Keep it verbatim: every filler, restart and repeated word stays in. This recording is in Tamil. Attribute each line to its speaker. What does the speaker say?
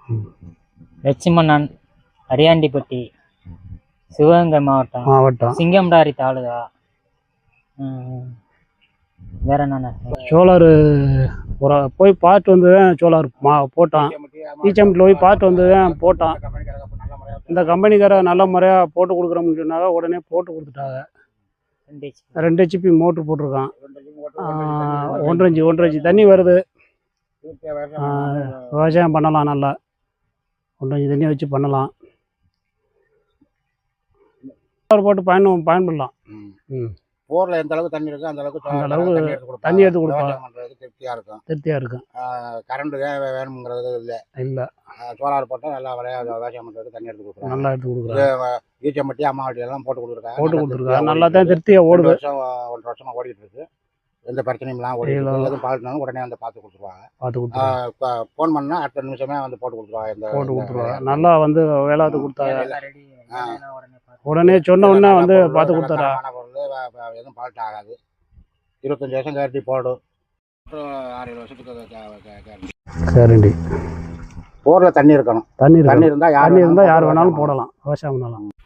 Speaker 1: லட்சுமணன், அரியாண்டிப்பட்டி, சிவகங்கை மாவட்டம்
Speaker 2: மாவட்டம்
Speaker 1: சிங்கம்டாரி தாலுகா. வேற என்னென்ன
Speaker 2: சோலார் ஒரு போய் பார்த்து வந்து தான் சோலார் மா போட்டான். ஈச்சம்பட்டியில் போய் பார்த்து வந்து தான் போட்டான். இந்த கம்பெனிக்கார நல்ல முறையாக போட்டு கொடுக்குறோம்னு சொன்னாங்க. உடனே போட்டு கொடுத்துட்டாங்க. ரெண்டு ஹெச்பி மோட்ரு போட்டிருக்கான். ஒன்றரை இன்ச்சு ஒன்றரை இன்ச்சு தண்ணி வருது. விவசாயம் பண்ணலாம். நல்லா ஒன்றரை இன்ச்சு தண்ணி வச்சு பண்ணலாம். போட்டு பயன் பயன்படலாம். ம்
Speaker 3: போரில் எந்த அளவுக்கு தண்ணி இருக்கோ அந்த அளவுக்கு
Speaker 2: அந்த அளவுக்கு தண்ணி எடுத்து கொடுப்பாங்க.
Speaker 3: திருப்தியாக இருக்கும்
Speaker 2: திருப்தியாக இருக்கும்.
Speaker 3: கரண்ட் தான் வேணுங்கிறது இல்லை
Speaker 2: இல்லை
Speaker 3: சோலார் போட்டால் நல்லா விளையாட விவசாயம் பண்ணுறதுக்கு தண்ணி எடுத்து கொடுக்குறாங்க.
Speaker 2: நல்லா எடுத்து கொடுக்குறாங்க.
Speaker 3: ஈச்சம்பட்டி அம்மாவட்டி எல்லாம் போட்டு கொடுத்துருக்காங்க.
Speaker 2: போட்டு கொடுத்துருக்காங்க. நல்லா தான் திருப்தியாக ஓடுது.
Speaker 3: வருஷம் ஒன்றரை வருஷமாக ஓடிட்டு இருக்கு. எந்த பிரச்சனையும்லாம் ஓடி எதுவும் பார்த்துனாலும் உடனே வந்து பார்த்து கொடுத்துருவாங்க.
Speaker 2: பார்த்து கொடுத்துருவாங்க.
Speaker 3: இப்போ ஃபோன் பண்ணால் அடுத்த நிமிஷமே வந்து போட்டு கொடுத்துருவாங்க. இந்த
Speaker 2: போட்டு கொடுத்துருவாங்க. நல்லா வந்து வேளாத்து கொடுத்தாங்க. உடனே சொன்ன உடனே வந்து பார்த்து கொடுத்தாரா.
Speaker 3: எதுவும் பால்ட் ஆகாது. இருபத்தஞ்சி வருஷம் கேரண்டி போடும். ஆறு ஏழு வருஷத்துக்கு கேரண்டி. போரில் தண்ணி இருக்கணும்.
Speaker 2: தண்ணி
Speaker 3: தண்ணி இருந்தால்
Speaker 2: தண்ணி இருந்தால் யார் வேணாலும் போடலாம். விவசாயம் பண்ணலாம்.